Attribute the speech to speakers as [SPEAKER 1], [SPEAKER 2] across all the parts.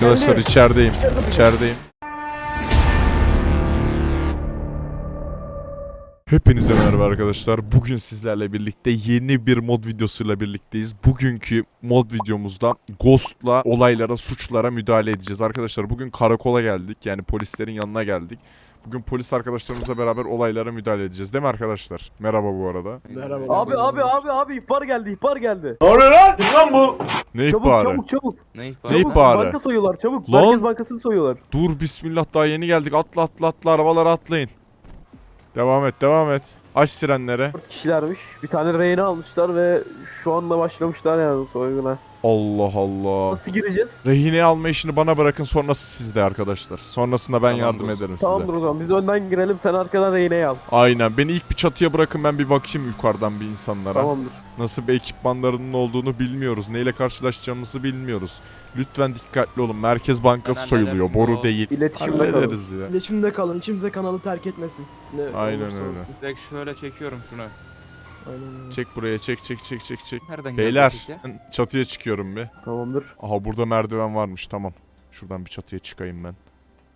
[SPEAKER 1] Arkadaşlar içerideyim. İçerideyim. Hepinize merhaba arkadaşlar. Bugün sizlerle birlikte yeni bir mod videosuyla birlikteyiz. Bugünkü mod videomuzda Ghost'la olaylara, suçlara müdahale edeceğiz. Arkadaşlar bugün karakola geldik. Yani polislerin yanına geldik. Bugün polis arkadaşlarımızla beraber olaylara müdahale edeceğiz. Değil mi arkadaşlar? Merhaba bu arada.
[SPEAKER 2] Merhaba. Abi ihbar geldi.
[SPEAKER 1] Ne oluyor lan? Kim lan bu? Ne ihbarı?
[SPEAKER 2] Çabuk.
[SPEAKER 1] Ne ihbarı?
[SPEAKER 2] Banka soyuyorlar çabuk.
[SPEAKER 1] Lan.
[SPEAKER 2] Merkez Bankası'nı soyuyorlar.
[SPEAKER 1] Dur bismillah, daha yeni geldik. Atla arabalara atlayın. Devam et. Aç sirenlere.
[SPEAKER 2] 4 kişilermiş. Bir tane rehine almışlar ve şu anda başlamışlar yani soyguna.
[SPEAKER 1] Allah Allah.
[SPEAKER 2] Nasıl gireceğiz?
[SPEAKER 1] Rehine alma işini bana bırakın, sonrası sizde arkadaşlar. Sonrasında ben
[SPEAKER 3] Tamam
[SPEAKER 1] yardım
[SPEAKER 3] dostum.
[SPEAKER 1] ederim size.
[SPEAKER 2] Tamamdır o zaman biz önden girelim sen arkadan rehineyi al.
[SPEAKER 1] Aynen, beni ilk bir çatıya bırakın, ben bir bakayım yukarıdan bir insanlara.
[SPEAKER 2] Tamamdır.
[SPEAKER 1] Nasıl bir ekipmanlarının olduğunu bilmiyoruz. Neyle karşılaşacağımızı bilmiyoruz. Lütfen dikkatli olun. Merkez Bankası
[SPEAKER 3] Ben
[SPEAKER 1] soyuluyor.
[SPEAKER 3] halledersin
[SPEAKER 1] Boru
[SPEAKER 3] o.
[SPEAKER 1] değil.
[SPEAKER 2] İletişimde kalın.
[SPEAKER 1] Hallederiz ya.
[SPEAKER 4] İletişimde kalın. Kimse kanalı terk etmesin. Ne
[SPEAKER 1] Aynen
[SPEAKER 4] olursa
[SPEAKER 1] öyle.
[SPEAKER 4] olsun.
[SPEAKER 3] Direkt şöyle çekiyorum şunu.
[SPEAKER 4] Aynen öyle.
[SPEAKER 1] Çek buraya, çek.
[SPEAKER 3] Nereden
[SPEAKER 1] Beyler,
[SPEAKER 3] geldi ses ya?
[SPEAKER 1] çatıya çıkıyorum bir.
[SPEAKER 2] Tamamdır.
[SPEAKER 1] Aha, burada merdiven varmış, tamam. Şuradan bir çatıya çıkayım ben.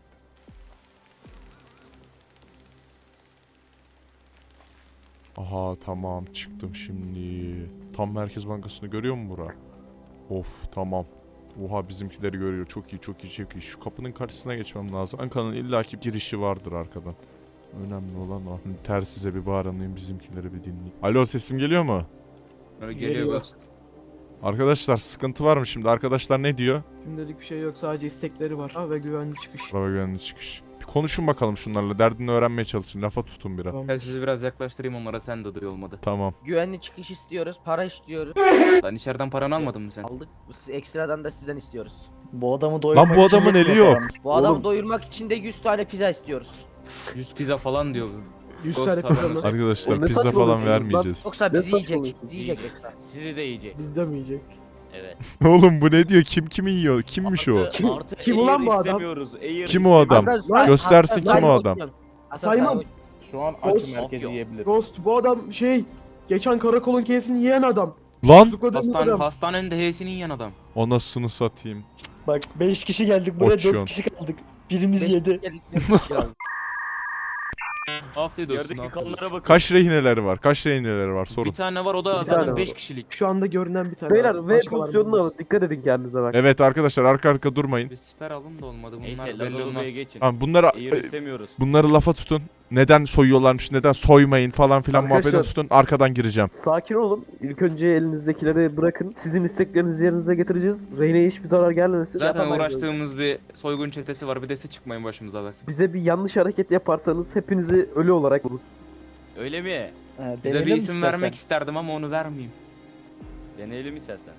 [SPEAKER 1] Aha tamam, çıktım şimdi. Tam Merkez Bankası'nı görüyor mu bura? Of tamam. Oha, bizimkileri görüyor. Çok iyi. Şu kapının karşısına geçmem lazım. Banka'nın illaki girişi vardır arkadan. Önemli olan o. Tersize bir bağıranayım, bizimkileri bir dinleyeyim. Alo, sesim geliyor mu?
[SPEAKER 3] Böyle geliyor
[SPEAKER 4] Geliyor.
[SPEAKER 3] Ghost.
[SPEAKER 1] Arkadaşlar sıkıntı var mı şimdi? Arkadaşlar ne diyor?
[SPEAKER 4] Şimdilik bir şey yok. Sadece istekleri var. Ha, ve güvenli çıkış.
[SPEAKER 1] Araba güvenli çıkış. Bir konuşun bakalım şunlarla. Derdini öğrenmeye çalışın. Lafa tutun biraz.
[SPEAKER 4] Tamam.
[SPEAKER 3] Gel sizi biraz yaklaştırayım onlara, sen de duy olmadı.
[SPEAKER 1] Tamam.
[SPEAKER 5] Güvenli çıkış istiyoruz, para istiyoruz.
[SPEAKER 3] Lan içeriden paranı almadın mı sen?
[SPEAKER 5] Aldık, ekstradan da sizden istiyoruz.
[SPEAKER 6] Bu adamı doyurmak
[SPEAKER 1] Lan bu
[SPEAKER 6] için
[SPEAKER 1] adamın eli
[SPEAKER 6] yetmiyor
[SPEAKER 1] yok.
[SPEAKER 6] paramız.
[SPEAKER 5] Bu adamı
[SPEAKER 2] Oğlum.
[SPEAKER 5] doyurmak için de 100 tane pizza istiyoruz.
[SPEAKER 3] 100 pizza falan diyor bu.
[SPEAKER 4] 100
[SPEAKER 3] Ghost
[SPEAKER 4] tane
[SPEAKER 3] paranı.
[SPEAKER 4] kazanır.
[SPEAKER 1] Arkadaşlar
[SPEAKER 2] Oğlum ne
[SPEAKER 1] pizza falan
[SPEAKER 2] saçmalıyorsunuz lan?
[SPEAKER 1] vermeyeceğiz.
[SPEAKER 5] Yoksa
[SPEAKER 2] Ne
[SPEAKER 5] bizi yiyecek.
[SPEAKER 2] saçmalıyorsun?
[SPEAKER 5] Bizi yiyecek yoksa.
[SPEAKER 7] Sizi de yiyecek.
[SPEAKER 4] Bizde mi yiyecek?
[SPEAKER 7] Evet.
[SPEAKER 1] Oğlum bu ne diyor? Kim kimi yiyor? Kimmiş o?
[SPEAKER 4] Kim ulan bu adam?
[SPEAKER 7] istemiyoruz. Air
[SPEAKER 1] Kim o adam?
[SPEAKER 5] Hasan,
[SPEAKER 1] Göstersin
[SPEAKER 5] Hasan,
[SPEAKER 1] kim o adam.
[SPEAKER 5] Hasan,
[SPEAKER 4] Sayman.
[SPEAKER 5] sen-
[SPEAKER 6] Şu an
[SPEAKER 4] Ghost-
[SPEAKER 6] açım, herkes yiyebilir.
[SPEAKER 4] Ghost bu adam geçen karakolun kesini yiyen adam.
[SPEAKER 1] Lan!
[SPEAKER 4] Tutukladığımız adam.
[SPEAKER 3] Hastanenin de H'sini yiyen adam.
[SPEAKER 1] Anasını satayım.
[SPEAKER 6] Bak 5 kişi geldik buraya,
[SPEAKER 1] Oçyon.
[SPEAKER 6] 4 kişi kaldık. Birimiz
[SPEAKER 5] Beş-
[SPEAKER 6] yedi.
[SPEAKER 3] Afiyet olsun.
[SPEAKER 7] Yerdeki
[SPEAKER 3] afiyet olsun.
[SPEAKER 7] kanlara bakın.
[SPEAKER 1] Kaç rehineleri var? Sorun.
[SPEAKER 3] Bir tane var, o da
[SPEAKER 2] Bir tane
[SPEAKER 3] zaten
[SPEAKER 2] var.
[SPEAKER 3] 5 kişilik.
[SPEAKER 4] Şu anda görünen bir tane.
[SPEAKER 2] Beyler
[SPEAKER 4] var.
[SPEAKER 2] V
[SPEAKER 4] Başkalarını
[SPEAKER 2] pozisyonunu alın.
[SPEAKER 4] bilmiyoruz.
[SPEAKER 2] Dikkat edin kendinize bak.
[SPEAKER 1] Evet arkadaşlar, arka durmayın.
[SPEAKER 3] Bir siper alın da olmadı. Bunlar
[SPEAKER 7] Neyse
[SPEAKER 3] belli
[SPEAKER 7] Lazadoba'ya
[SPEAKER 3] olmaz.
[SPEAKER 7] geçin.
[SPEAKER 1] Tamam,
[SPEAKER 7] Air istemiyoruz.
[SPEAKER 1] bunları lafa tutun. Neden soyuyorlarmış, neden soymayın falan filan
[SPEAKER 2] Arkadaşlar-
[SPEAKER 1] muhabbetini tutun. Arkadan gireceğim.
[SPEAKER 2] Sakin olun. İlk önce elinizdekileri bırakın. Sizin isteklerinizi yerinize getireceğiz. Rehine'ye hiçbir zarar gelmesin.
[SPEAKER 3] Zaten uğraştığımız bir soygun çetesi var. Bir de siz çıkmayın başımıza bak.
[SPEAKER 2] Bize bir yanlış hareket yaparsanız hepinizi ölü olarak bulur.
[SPEAKER 7] Öyle mi?
[SPEAKER 6] Ha,
[SPEAKER 3] Size
[SPEAKER 6] deneyelim
[SPEAKER 3] bir isim
[SPEAKER 6] istersen.
[SPEAKER 3] vermek isterdim ama onu vermeyeyim.
[SPEAKER 7] Deneyelim istersen.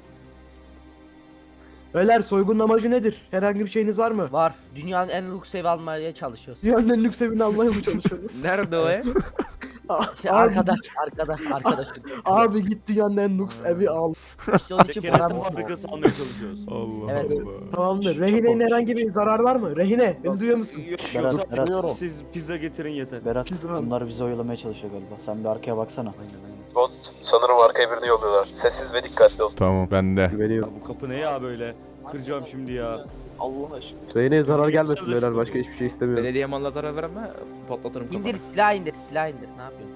[SPEAKER 4] Beyler soygunun amacı nedir? Herhangi bir şeyiniz var mı?
[SPEAKER 5] Var. Dünyanın en lüks evi almaya çalışıyoruz.
[SPEAKER 4] Dünyanın en lüks evini almaya mı çalışıyorsunuz?
[SPEAKER 3] Nerede o ev?
[SPEAKER 5] İşte
[SPEAKER 4] Abi
[SPEAKER 5] arkada,
[SPEAKER 4] git.
[SPEAKER 5] arkada.
[SPEAKER 4] Abi git dünyanın en lüks evi al.
[SPEAKER 5] İşte onun için
[SPEAKER 7] Kereste
[SPEAKER 5] param
[SPEAKER 7] fabrikası almaya çalışıyoruz.
[SPEAKER 1] Allah
[SPEAKER 5] Evet.
[SPEAKER 1] Allah.
[SPEAKER 4] Tamamdır. Rehinenin herhangi bir zarar var mı? Rehine beni duyuyor musun?
[SPEAKER 7] Yok
[SPEAKER 6] Berat,
[SPEAKER 7] yok. Siz pizza getirin yeter.
[SPEAKER 6] Berat,
[SPEAKER 4] Biz var.
[SPEAKER 6] bunlar bizi oyalamaya çalışıyor galiba. Sen bir arkaya baksana.
[SPEAKER 7] Aynen.
[SPEAKER 2] Sanırım arkaya birini yolluyorlar. Sessiz ve dikkatli ol.
[SPEAKER 1] Tamam, bende.
[SPEAKER 2] Güveniyorum.
[SPEAKER 7] Ya bu kapı ne ya böyle? Kıracağım şimdi ya.
[SPEAKER 6] Allah aşkına.
[SPEAKER 2] Rehine'ye zarar gelmesin
[SPEAKER 7] Çalışırız
[SPEAKER 2] beyler.
[SPEAKER 7] bu.
[SPEAKER 2] Başka hiçbir şey istemiyorum.
[SPEAKER 3] Belediye malına zarar verme, patlatırım kafanı.
[SPEAKER 5] İndir, silah indir. Ne yapıyorsun?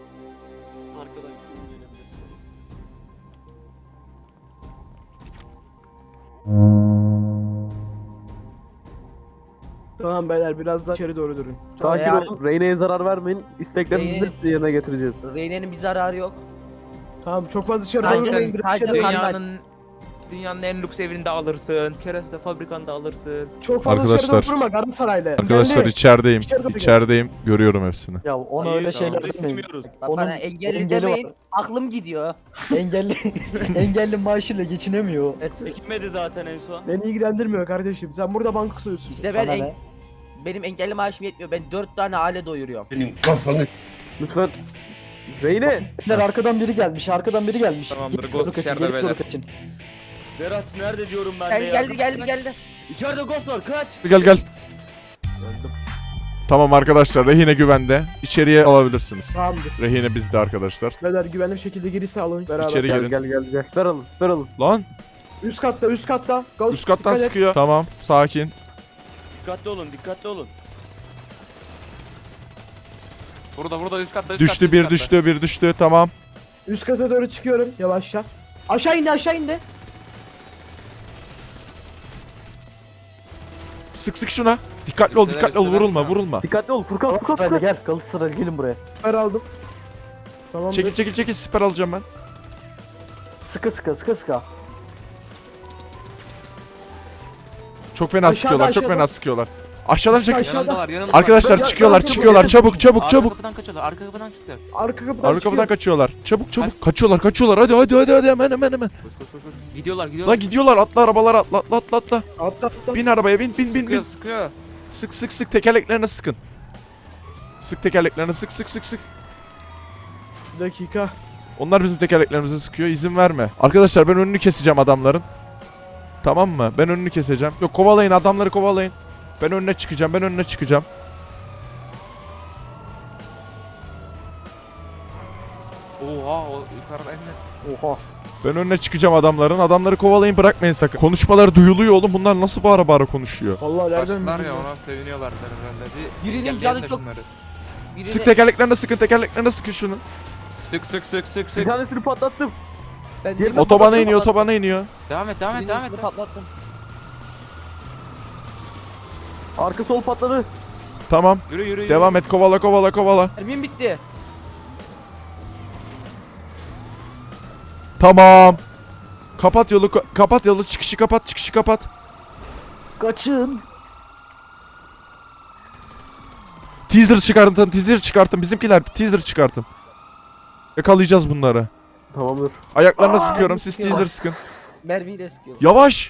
[SPEAKER 4] Tamam beyler biraz daha içeri doğru durun.
[SPEAKER 2] Sakin
[SPEAKER 5] Eğer-
[SPEAKER 2] olun. Reyne'ye zarar vermeyin. İsteklerinizin
[SPEAKER 5] Reyne-
[SPEAKER 2] hepsini yerine getireceğiz.
[SPEAKER 5] Reyne'nin bir zararı yok.
[SPEAKER 4] Tamam çok fazla dışarı
[SPEAKER 5] Aynen.
[SPEAKER 4] doğru durmayın. Biraz
[SPEAKER 5] Sadece
[SPEAKER 4] içeri doğru.
[SPEAKER 3] Dünyanın en lüks evini de alırsın. Kereste fabrikanı da alırsın.
[SPEAKER 4] Çok fazla
[SPEAKER 1] Arkadaşlar-
[SPEAKER 4] dışarı doğru durma Galatasaray'la.
[SPEAKER 1] Arkadaşlar
[SPEAKER 4] Engelli.
[SPEAKER 1] içerideyim.
[SPEAKER 4] İçeri doğru gel.
[SPEAKER 1] İçerideyim. Görüyorum hepsini.
[SPEAKER 6] Ya ona
[SPEAKER 7] Hayır,
[SPEAKER 6] öyle şeyler
[SPEAKER 7] tamam,
[SPEAKER 6] demeyin.
[SPEAKER 7] istemiyoruz.
[SPEAKER 5] Bak
[SPEAKER 6] Onun
[SPEAKER 5] bana engelli
[SPEAKER 6] engeli
[SPEAKER 5] demeyin.
[SPEAKER 6] var.
[SPEAKER 5] Aklım gidiyor.
[SPEAKER 6] Engelli engelli maaşıyla geçinemiyor.
[SPEAKER 5] Evet.
[SPEAKER 7] Çekilmedi zaten en son.
[SPEAKER 4] Beni ilgilendirmiyor kardeşim. Sen burada banka soyuyorsun.
[SPEAKER 5] İşte ben
[SPEAKER 6] Sana ne?
[SPEAKER 5] benim engelli maaşım yetmiyor. Ben 4 tane aile doyuruyorum.
[SPEAKER 2] Lütfen. Reyne.
[SPEAKER 6] Beyler, arkadan biri gelmiş.
[SPEAKER 3] Tamamdır,
[SPEAKER 6] Gelip
[SPEAKER 3] Ghost
[SPEAKER 6] doğru kaçın,
[SPEAKER 3] içeride
[SPEAKER 6] gelip doğru
[SPEAKER 3] beyler.
[SPEAKER 6] kaçın.
[SPEAKER 7] Berat nerede diyorum ben de ya.
[SPEAKER 5] Geldi.
[SPEAKER 7] İçeride Ghost var, kaç.
[SPEAKER 1] Gel. Tamam arkadaşlar, rehine güvende. İçeriye alabilirsiniz.
[SPEAKER 4] Tamamdır.
[SPEAKER 1] Rehine bizde arkadaşlar.
[SPEAKER 4] Beyler güvenli bir şekilde geri sağlayın. Beraber.
[SPEAKER 1] İçeri
[SPEAKER 2] Gel
[SPEAKER 1] girin.
[SPEAKER 2] gel. Siper alın.
[SPEAKER 1] Lan
[SPEAKER 4] Üst katta, üst katta. Ghost,
[SPEAKER 1] Üst kattan
[SPEAKER 4] dikkat et.
[SPEAKER 1] sıkıyor. Tamam, sakin.
[SPEAKER 7] Dikkatli olun, dikkatli olun.
[SPEAKER 3] Burada üst katta üst
[SPEAKER 1] Düştü
[SPEAKER 3] katta,
[SPEAKER 1] bir
[SPEAKER 3] üst katta.
[SPEAKER 1] düştü bir düştü. Tamam.
[SPEAKER 4] Üst kata doğru çıkıyorum yavaşça. Aşağı indi, aşağı indi.
[SPEAKER 1] Sık sık şuna. Dikkatli ol,
[SPEAKER 3] Üstüne,
[SPEAKER 1] dikkatli ol.
[SPEAKER 3] üstüne,
[SPEAKER 1] Vurulma,
[SPEAKER 3] üstüne.
[SPEAKER 1] vurulma.
[SPEAKER 2] Dikkatli ol Furkan, Furkan,
[SPEAKER 6] Galatasaraylı
[SPEAKER 2] Furkan.
[SPEAKER 6] gel. Galatasaraylı gelin buraya.
[SPEAKER 4] Süper aldım. Tamam.
[SPEAKER 1] Çekil çekil çekil, siper alacağım ben.
[SPEAKER 6] Sıkı sıkı sıkı sıkı.
[SPEAKER 1] Çok fena
[SPEAKER 4] Aşağıda,
[SPEAKER 1] sıkıyorlar, çok
[SPEAKER 4] aşağıda.
[SPEAKER 1] fena sıkıyorlar. Aşağıdan çek.
[SPEAKER 4] Aşağıda.
[SPEAKER 3] Yanımdalar yanımdalar.
[SPEAKER 1] Arkadaşlar
[SPEAKER 4] Ya,
[SPEAKER 1] çıkıyorlar,
[SPEAKER 4] ya,
[SPEAKER 1] çıkıyorlar.
[SPEAKER 4] ya,
[SPEAKER 1] Çabuk, çabuk,
[SPEAKER 3] Arka
[SPEAKER 1] çabuk.
[SPEAKER 3] kapıdan kaçıyorlar. Arka kapıdan çıktı.
[SPEAKER 4] Arka kapıdan
[SPEAKER 1] Arka kapıdan
[SPEAKER 4] çıkıyor.
[SPEAKER 1] kaçıyorlar. Çabuk çabuk. Kaçıyorlar, kaçıyorlar. Hadi hadi hadi hadi hemen hemen hemen.
[SPEAKER 3] Koş. Gidiyorlar.
[SPEAKER 1] Lan gidiyorlar. Atla arabalara, atla atla atla atla.
[SPEAKER 4] Atla atla.
[SPEAKER 1] Bin arabaya, bin bin bin bin.
[SPEAKER 3] Sıkıyor.
[SPEAKER 1] Sık sık sık, tekerleklerine sıkın. Sık tekerleklerine, sık sık sık sık.
[SPEAKER 4] Bir dakika.
[SPEAKER 1] Onlar bizim tekerleklerimize sıkıyor. İzin verme. Arkadaşlar ben önünü keseceğim adamların. Tamam mı? Ben önünü keseceğim. Yok, kovalayın, adamları kovalayın. Ben önüne çıkacağım. Ben önüne çıkacağım.
[SPEAKER 3] Oha o yukarıda en
[SPEAKER 6] Oha.
[SPEAKER 1] Ben önüne çıkacağım adamların. Adamları kovalayın, bırakmayın sakın. Konuşmaları duyuluyor oğlum. Bunlar nasıl bağıra bağıra konuşuyor?
[SPEAKER 4] Vallahi nereden
[SPEAKER 3] Başlar ya
[SPEAKER 4] bildin?
[SPEAKER 3] ona seviniyorlar herhalde. Bir
[SPEAKER 5] Birinin
[SPEAKER 3] engelleyin
[SPEAKER 5] canı
[SPEAKER 3] de
[SPEAKER 5] çok-
[SPEAKER 3] şunları.
[SPEAKER 5] Birini...
[SPEAKER 1] Sık tekerleklerine sıkın. Tekerleklerine sıkın şunu.
[SPEAKER 3] Sık.
[SPEAKER 2] Bir tanesini patlattım.
[SPEAKER 5] Ben
[SPEAKER 2] Diğerini
[SPEAKER 1] Otobana
[SPEAKER 2] patlattım.
[SPEAKER 1] iniyor, otobana iniyor.
[SPEAKER 3] Devam et.
[SPEAKER 5] Birini patlattım.
[SPEAKER 2] Arka sol patladı.
[SPEAKER 1] Tamam.
[SPEAKER 3] Yürü.
[SPEAKER 1] Devam et. Kovala kovala kovala.
[SPEAKER 5] Mermim bitti.
[SPEAKER 1] Tamam. Kapat yolu, kapat yolu. Çıkışı kapat, çıkışı kapat.
[SPEAKER 6] Kaçın.
[SPEAKER 1] Teaser çıkartın, teaser çıkartın. Bizimkiler teaser çıkartın. Yakalayacağız bunları.
[SPEAKER 2] Tamamdır.
[SPEAKER 1] Ayaklarına sıkıyorum. Siz teaser sıkın.
[SPEAKER 5] Mermiyi de sıkıyor.
[SPEAKER 1] Yavaş.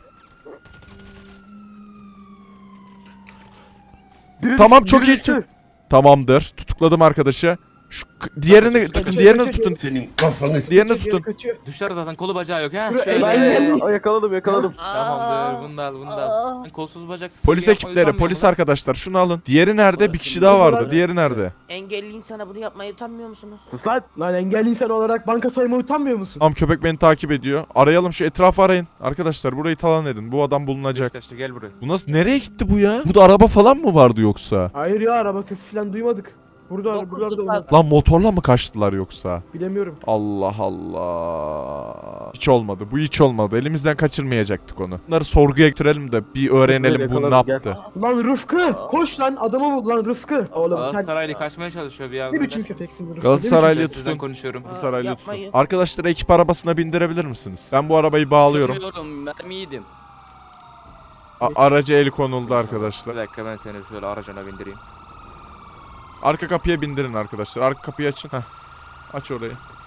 [SPEAKER 2] Biri
[SPEAKER 1] Tamam,
[SPEAKER 2] düştü,
[SPEAKER 1] çok
[SPEAKER 2] biri
[SPEAKER 1] iyi.
[SPEAKER 2] düştü.
[SPEAKER 1] Tamamdır. Tutukladım arkadaşı. Diğerini tutun, diğerini tutun. Diğerini tutun.
[SPEAKER 4] Kaçıyor.
[SPEAKER 3] Düşer zaten kolu bacağı yok ha.
[SPEAKER 4] Şuraya
[SPEAKER 3] Şöyle.
[SPEAKER 2] Aa, yakaladım.
[SPEAKER 3] Tamamdır. Bunu da al. Kolsuz bacaksız.
[SPEAKER 1] Polis ekipleri, polis arkadaşlar şunu alın. Diğeri nerede? Bir kişi daha vardı. Diğeri nerede?
[SPEAKER 5] Engelli insana bunu yapmaya utanmıyor musunuz?
[SPEAKER 2] Sus lan.
[SPEAKER 4] Lan engelli insan olarak banka soymaya utanmıyor musun?
[SPEAKER 1] Tamam, köpek beni takip ediyor. Arayalım, şu etrafı arayın. Arkadaşlar burayı talan edin. Bu adam bulunacak.
[SPEAKER 3] İşte gel buraya.
[SPEAKER 1] Bu nasıl, nereye gitti bu ya? Burada araba falan mı vardı yoksa?
[SPEAKER 4] Hayır ya, araba sesi falan duymadık. Buralarda
[SPEAKER 5] Dokuz
[SPEAKER 4] olmaz.
[SPEAKER 1] Lan motorla mı kaçtılar yoksa?
[SPEAKER 4] Bilemiyorum.
[SPEAKER 1] Allah Allah. Hiç olmadı. Bu hiç olmadı. Elimizden kaçırmayacaktık onu. Bunları sorguya götürelim de bir öğrenelim bu ne
[SPEAKER 2] Yakaladım, gel.
[SPEAKER 1] yaptı.
[SPEAKER 4] Lan Rıfkı! Koş lan, adamı bul lan Rıfkı. Oğlum sen
[SPEAKER 3] Galatasaraylı kaçmaya çalışıyor bir anda.
[SPEAKER 4] ne biçim köpeksin Rıfkı?
[SPEAKER 1] Galatasaraylı
[SPEAKER 3] Ben sizden
[SPEAKER 1] tutun.
[SPEAKER 3] konuşuyorum.
[SPEAKER 1] Galatasaraylı tutun.
[SPEAKER 5] Yapmayın.
[SPEAKER 1] Arkadaşları ekip arabasına bindirebilir misiniz? Ben bu arabayı bağlıyorum.
[SPEAKER 7] Mermi yedim.
[SPEAKER 1] Araca el konuldu arkadaşlar.
[SPEAKER 3] Bir dakika ben seni şöyle aracına bindireyim.
[SPEAKER 1] Arka kapıya bindirin arkadaşlar. Arka kapıyı açın. Heh. Aç orayı.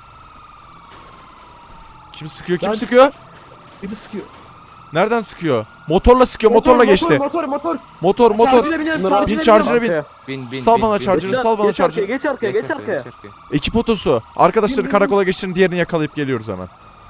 [SPEAKER 1] Kim sıkıyor? Kim
[SPEAKER 4] Ben-
[SPEAKER 1] sıkıyor?
[SPEAKER 4] Biri sıkıyor.
[SPEAKER 1] Nereden sıkıyor? Motorla sıkıyor. Motorla geçti.
[SPEAKER 4] Motor.
[SPEAKER 1] Motor.
[SPEAKER 4] Charger'e binelim,
[SPEAKER 2] Bunları
[SPEAKER 1] Bin
[SPEAKER 4] charger'e
[SPEAKER 1] charger'e bin.
[SPEAKER 2] Arkaya.
[SPEAKER 3] Bin.
[SPEAKER 1] Sal bana charger'ı, sal bana
[SPEAKER 2] Geç arkaya,
[SPEAKER 1] charger'ı.
[SPEAKER 2] geç arkaya.
[SPEAKER 1] Ekip otosu. Arkadaşları
[SPEAKER 4] Bin.
[SPEAKER 1] karakola geçirin, diğerini yakalayıp geliyoruz hemen.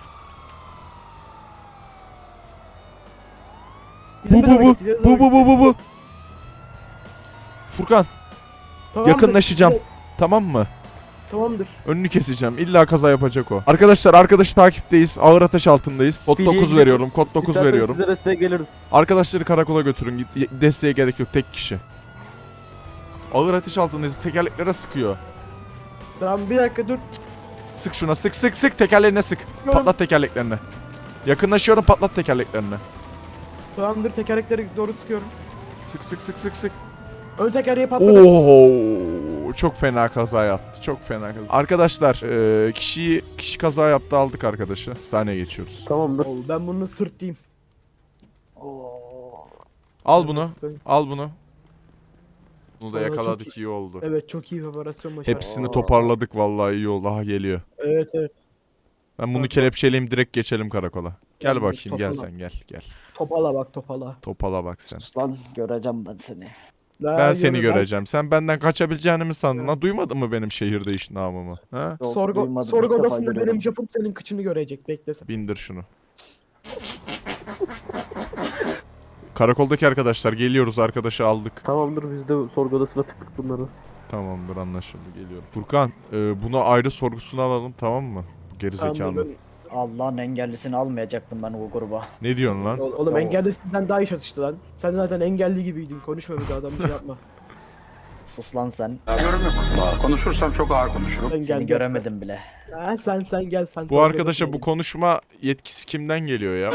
[SPEAKER 1] Bu. Furkan,
[SPEAKER 4] Tamamdır.
[SPEAKER 1] yakınlaşacağım. Tamam mı?
[SPEAKER 4] Tamamdır.
[SPEAKER 1] Önünü keseceğim. İlla kaza yapacak o. Arkadaşlar, arkadaşı takipteyiz. Ağır ateş altındayız. Kod
[SPEAKER 2] Speedy'ye
[SPEAKER 1] 9
[SPEAKER 2] gidelim.
[SPEAKER 1] veriyorum. Kod 9
[SPEAKER 2] İsterseniz
[SPEAKER 1] veriyorum.
[SPEAKER 2] size desteğe geliriz.
[SPEAKER 1] Arkadaşları karakola götürün. Desteğe gerek yok. Tek kişi. Ağır ateş altındayız. Tekerleklere sıkıyor.
[SPEAKER 4] Tamam, bir dakika dur.
[SPEAKER 1] Sık şuna. Sık. Tekerlerine sık. Patlat tekerleklerini. Yakınlaşıyorum. Patlat tekerleklerini.
[SPEAKER 4] Tamamdır, tekerlekleri doğru sıkıyorum.
[SPEAKER 1] Sık.
[SPEAKER 4] Ön tekerleği patladı.
[SPEAKER 1] Oo, çok fena kaza yaptı. Çok fena kaza. Arkadaşlar, kişi kaza yaptı, aldık arkadaşı. Hastaneye geçiyoruz.
[SPEAKER 2] Tamamdır.
[SPEAKER 4] Oo, ben bunu sırtlayayım.
[SPEAKER 1] Al bunu.
[SPEAKER 4] Sırtlayayım.
[SPEAKER 1] Al bunu. Bunu da
[SPEAKER 4] Vallahi çok
[SPEAKER 1] yakaladık, iyi oldu.
[SPEAKER 4] Evet, çok iyi bir operasyon başardık.
[SPEAKER 1] Hepsini toparladık vallahi, iyi oldu. Aha geliyor.
[SPEAKER 4] Evet.
[SPEAKER 1] Ben bunu
[SPEAKER 4] Bak.
[SPEAKER 1] kelepçeleyeyim, direkt geçelim karakola. Gel
[SPEAKER 4] Gel,
[SPEAKER 1] bakayım, gel
[SPEAKER 4] topala.
[SPEAKER 1] sen gel.
[SPEAKER 4] Topala bak, topala.
[SPEAKER 1] Topala bak sen.
[SPEAKER 6] Sus lan, göreceğim ben seni.
[SPEAKER 1] Ben seni göreceğim. Sen benden kaçabileceğini mi sandın? Ha, duymadın mı benim şehirde iş namımı? Ha?
[SPEAKER 6] Yok,
[SPEAKER 4] Sorgu
[SPEAKER 6] duymadım, ilk defa
[SPEAKER 4] odasında
[SPEAKER 6] görüyorum.
[SPEAKER 4] benim japım senin kıçını görecek, beklesen.
[SPEAKER 1] Bindir şunu. Karakoldaki arkadaşlar geliyoruz, arkadaşı aldık.
[SPEAKER 2] Tamamdır, biz de sorgu odasına tıktık bunları.
[SPEAKER 1] Tamamdır, anlaşıldı, geliyorum. Furkan, bunu ayrı sorgusuna alalım, tamam mı? Bu gerizekalı.
[SPEAKER 4] Tamam,
[SPEAKER 6] Allah'ın engellisini almayacaktım ben o gruba.
[SPEAKER 1] Ne diyorsun lan?
[SPEAKER 4] Oğlum
[SPEAKER 6] Oo.
[SPEAKER 4] engelli sizden daha iyi çatıştı lan. Sen zaten engelli gibiydin. Konuşma bir de adam şey yapma.
[SPEAKER 6] Sus lan sen.
[SPEAKER 8] Yorum yok. Konuşursam çok ağır konuşurum.
[SPEAKER 4] Sen
[SPEAKER 6] Seni
[SPEAKER 4] gel.
[SPEAKER 6] göremedim bile.
[SPEAKER 4] Ha, sen gel sen.
[SPEAKER 1] Bu arkadaşa bu konuşma yetkisi kimden geliyor ya?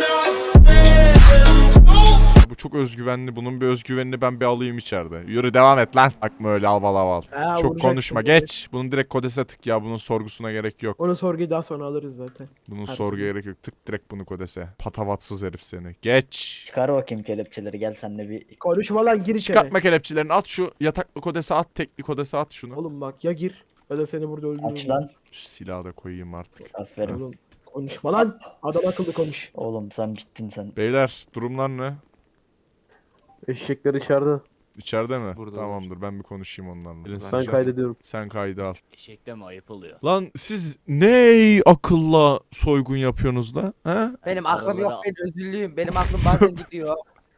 [SPEAKER 1] Bu çok özgüvenli. Bunun bir özgüvenini ben bir alayım içeride. Yürü devam et lan. Bakma öyle aval aval. Çok konuşma. Geç. Bunun direkt kodese tık ya. Bunun sorgusuna gerek yok.
[SPEAKER 4] Onu sorguyu daha sonra alırız zaten.
[SPEAKER 1] Bunun
[SPEAKER 4] Her
[SPEAKER 1] sorguya
[SPEAKER 4] türlü.
[SPEAKER 1] gerek yok. Tık direkt bunu kodese. Patavatsız herif seni. Geç.
[SPEAKER 6] Çıkar bakayım kelepçeleri gel senle bir.
[SPEAKER 4] Konuşma lan gir içeri.
[SPEAKER 1] Çıkartma kelepçelerini. At şu yataklı kodese at. Tekli kodese at şunu.
[SPEAKER 4] Oğlum bak ya gir ya da seni burada öldürürüm.
[SPEAKER 6] Aç lan.
[SPEAKER 1] Şu silahı da koyayım artık.
[SPEAKER 6] Aferin.
[SPEAKER 4] Oğlum konuşma lan. Adam akıllı konuş.
[SPEAKER 6] Oğlum sen bittin sen.
[SPEAKER 1] Beyler durumlar ne?
[SPEAKER 2] Eşekler içeride.
[SPEAKER 1] İçeride mi?
[SPEAKER 3] Burada
[SPEAKER 1] Tamamdır ben bir konuşayım onlarla. Gelin siz
[SPEAKER 2] Ben
[SPEAKER 1] şu-
[SPEAKER 2] kaydediyorum.
[SPEAKER 1] Sen kaydı al.
[SPEAKER 7] Eşekte mi ayıp oluyor?
[SPEAKER 1] Lan siz ne akılla soygun yapıyorsunuz da? Ha?
[SPEAKER 5] Benim aklım yok,
[SPEAKER 7] Aralara-
[SPEAKER 5] ben özürlüyüm. Benim aklım bazen gidiyor.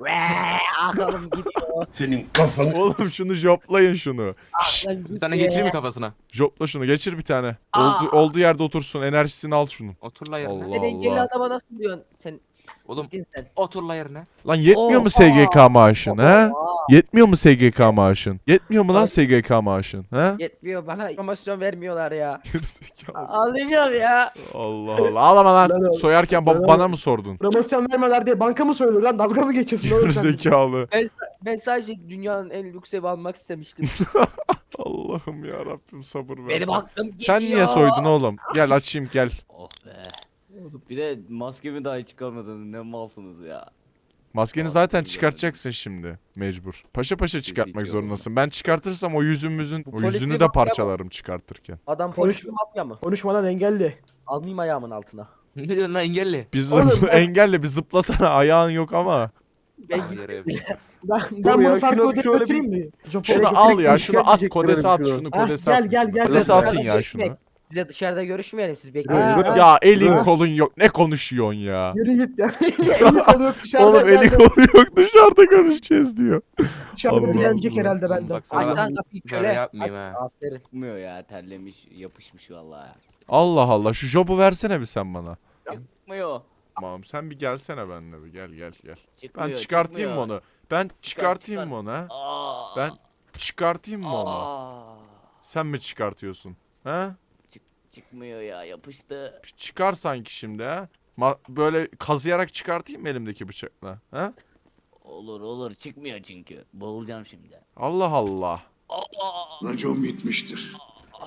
[SPEAKER 5] Aklım gidiyor.
[SPEAKER 1] Oğlum şunu joplayın şunu. Şşş,
[SPEAKER 5] Aklım
[SPEAKER 3] Bir tane geçireyim mi kafasına?
[SPEAKER 1] jopla şunu geçir bir tane.
[SPEAKER 5] Aa.
[SPEAKER 1] Olduğu yerde otursun enerjisini al şunun.
[SPEAKER 3] Otur la yerine.
[SPEAKER 1] Allah
[SPEAKER 5] Sen engelli
[SPEAKER 1] Allah.
[SPEAKER 5] adama nasıl diyorsun? Sen
[SPEAKER 3] Oğlum
[SPEAKER 5] gittin sen.
[SPEAKER 3] otur la yerine.
[SPEAKER 1] Lan yetmiyor mu
[SPEAKER 5] Oha.
[SPEAKER 1] SGK maaşın ha?
[SPEAKER 5] Oha.
[SPEAKER 1] Yetmiyor mu SGK maaşın? Yetmiyor mu lan SGK maaşın ha?
[SPEAKER 5] Yetmiyor, bana promosyon vermiyorlar ya.
[SPEAKER 1] Gerizekalı.
[SPEAKER 5] Alacağım ya.
[SPEAKER 1] Allah Allah. Ağlama lan.
[SPEAKER 4] Lan oğlum.
[SPEAKER 1] Soyarken
[SPEAKER 4] Lan
[SPEAKER 1] bana
[SPEAKER 4] oğlum.
[SPEAKER 1] mı sordun?
[SPEAKER 4] Promosyon vermeler diye banka mı söylüyor lan? Dalga mı geçiyorsun oğlum sen?
[SPEAKER 1] Gerizekalı.
[SPEAKER 5] Ben sadece dünyanın en lüks evi almak istemiştim.
[SPEAKER 1] Allah'ım ya Rabbim sabır ver.
[SPEAKER 5] Benim aklım gidiyor.
[SPEAKER 1] Sen niye soydun oğlum? Gel açayım gel.
[SPEAKER 7] Oh be. Bir de maskemi dahi çıkarmadınız. Ne malsınız ya.
[SPEAKER 1] Maskeni zaten çıkartacaksın şimdi mecbur. Paşa paşa çıkartmak zorundasın. Ben çıkartırsam o yüzümüzün o
[SPEAKER 5] polis
[SPEAKER 1] yüzünü
[SPEAKER 5] bir
[SPEAKER 1] de
[SPEAKER 5] mafya mı?
[SPEAKER 1] parçalarım çıkartırken.
[SPEAKER 5] Adam
[SPEAKER 4] Konuş-
[SPEAKER 5] polis mi mafya mı?
[SPEAKER 4] Konuşma lan engelli.
[SPEAKER 5] Almayayım ayağımın altına.
[SPEAKER 3] Ne diyorsun lan engelli?
[SPEAKER 1] Biz
[SPEAKER 4] Oğlum ben-
[SPEAKER 1] engelle bir zıplasana ayağın yok ama.
[SPEAKER 5] Ben
[SPEAKER 3] Ah,
[SPEAKER 5] git.
[SPEAKER 3] yere yapıştır.
[SPEAKER 4] Ben
[SPEAKER 2] Dur ya,
[SPEAKER 4] bunu farklı
[SPEAKER 2] şunu-
[SPEAKER 4] odaya
[SPEAKER 2] şöyle
[SPEAKER 4] götüreyim mi? Japon-
[SPEAKER 1] Şunu
[SPEAKER 2] Elektrik
[SPEAKER 1] al ya
[SPEAKER 2] işkence
[SPEAKER 1] şunu at
[SPEAKER 2] edecekler
[SPEAKER 1] kodese at
[SPEAKER 2] şunu.
[SPEAKER 1] şunu
[SPEAKER 4] Ha,
[SPEAKER 1] kodese
[SPEAKER 4] gel,
[SPEAKER 1] at.
[SPEAKER 4] gel, gel.
[SPEAKER 1] Kodese
[SPEAKER 4] Gel,
[SPEAKER 1] atın ya
[SPEAKER 5] görüşmek.
[SPEAKER 1] şunu.
[SPEAKER 5] Size dışarıda görüşmeyelim, siz
[SPEAKER 4] Ha,
[SPEAKER 5] bekleyin.
[SPEAKER 4] ha.
[SPEAKER 1] Ya elin
[SPEAKER 4] Ha.
[SPEAKER 1] kolun yok ne konuşuyorsun ya.
[SPEAKER 4] Yürü git ya. Eli kolu yok dışarıda.
[SPEAKER 1] Oğlum eli
[SPEAKER 4] herhalde.
[SPEAKER 1] kolu yok dışarıda görüşeceğiz diyor.
[SPEAKER 4] Dışarıda
[SPEAKER 1] Allah
[SPEAKER 4] dilenecek
[SPEAKER 1] Allah.
[SPEAKER 4] herhalde benden.
[SPEAKER 3] Bak sana
[SPEAKER 5] Aç
[SPEAKER 3] ben
[SPEAKER 5] lan kapıyı
[SPEAKER 3] böyle
[SPEAKER 5] köle.
[SPEAKER 3] yapmayayım ha.
[SPEAKER 5] Aferin.
[SPEAKER 7] Çıkmıyor ya. Terlemiş, yapışmış vallahi.
[SPEAKER 1] Allah Allah şu jobu versene bir sen bana.
[SPEAKER 7] Çıkmıyor.
[SPEAKER 1] Tamam sen bir gelsene benimle bir gel gel gel.
[SPEAKER 7] Çıkmıyor.
[SPEAKER 1] Ben çıkartayım mı
[SPEAKER 7] çıkmıyor.
[SPEAKER 1] onu? Ben çıkartayım mı
[SPEAKER 7] çıkart.
[SPEAKER 1] onu ha?
[SPEAKER 7] Aa.
[SPEAKER 1] Ben çıkartayım mı onu?
[SPEAKER 7] Aa.
[SPEAKER 1] Sen mi çıkartıyorsun? Ha?
[SPEAKER 7] Çıkmıyor ya. Yapıştı.
[SPEAKER 1] Çıkar sanki şimdi ha? Böyle kazıyarak çıkartayım mı elimdeki bıçakla? Ha?
[SPEAKER 7] Olur olur. Çıkmıyor çünkü. Boğulacağım şimdi.
[SPEAKER 1] Allah Allah.
[SPEAKER 7] Aa.
[SPEAKER 8] Racon bitmiştir.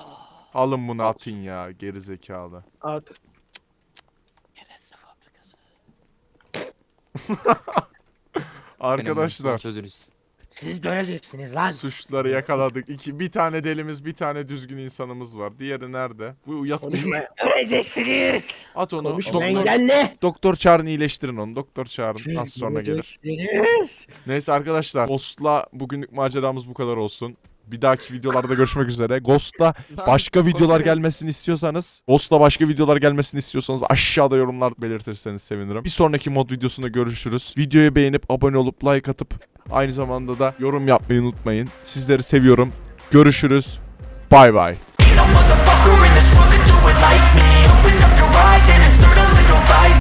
[SPEAKER 1] Alın bunu atın ya geri zekalı.
[SPEAKER 4] At.
[SPEAKER 7] Kereste fabrikası.
[SPEAKER 1] Arkadaşlar
[SPEAKER 3] Sözünüz.
[SPEAKER 5] Siz göreceksiniz lan.
[SPEAKER 1] suçları yakaladık. Bir tane delimiz, bir tane düzgün insanımız var. Diğeri nerede? Bu
[SPEAKER 4] Konuşma.
[SPEAKER 5] Göreceksiniz.
[SPEAKER 1] At onu.
[SPEAKER 4] Konuşma
[SPEAKER 1] Doktor,
[SPEAKER 4] engelli.
[SPEAKER 1] doktor çağırın iyileştirin onu. Doktor çağırın. Az sonra gelir.
[SPEAKER 5] Göreceksiniz.
[SPEAKER 1] Neyse arkadaşlar. Ghost'la bugünlük maceramız bu kadar olsun. Bir dahaki videolarda görüşmek üzere. Ghost'la başka videolar gelmesini istiyorsanız, Ghost'la başka videolar gelmesini istiyorsanız aşağıda yorumlar belirtirseniz sevinirim. Bir sonraki mod videosunda görüşürüz. Videoyu beğenip abone olup like atıp aynı zamanda da yorum yapmayı unutmayın. Sizleri seviyorum. Görüşürüz. Bay bay.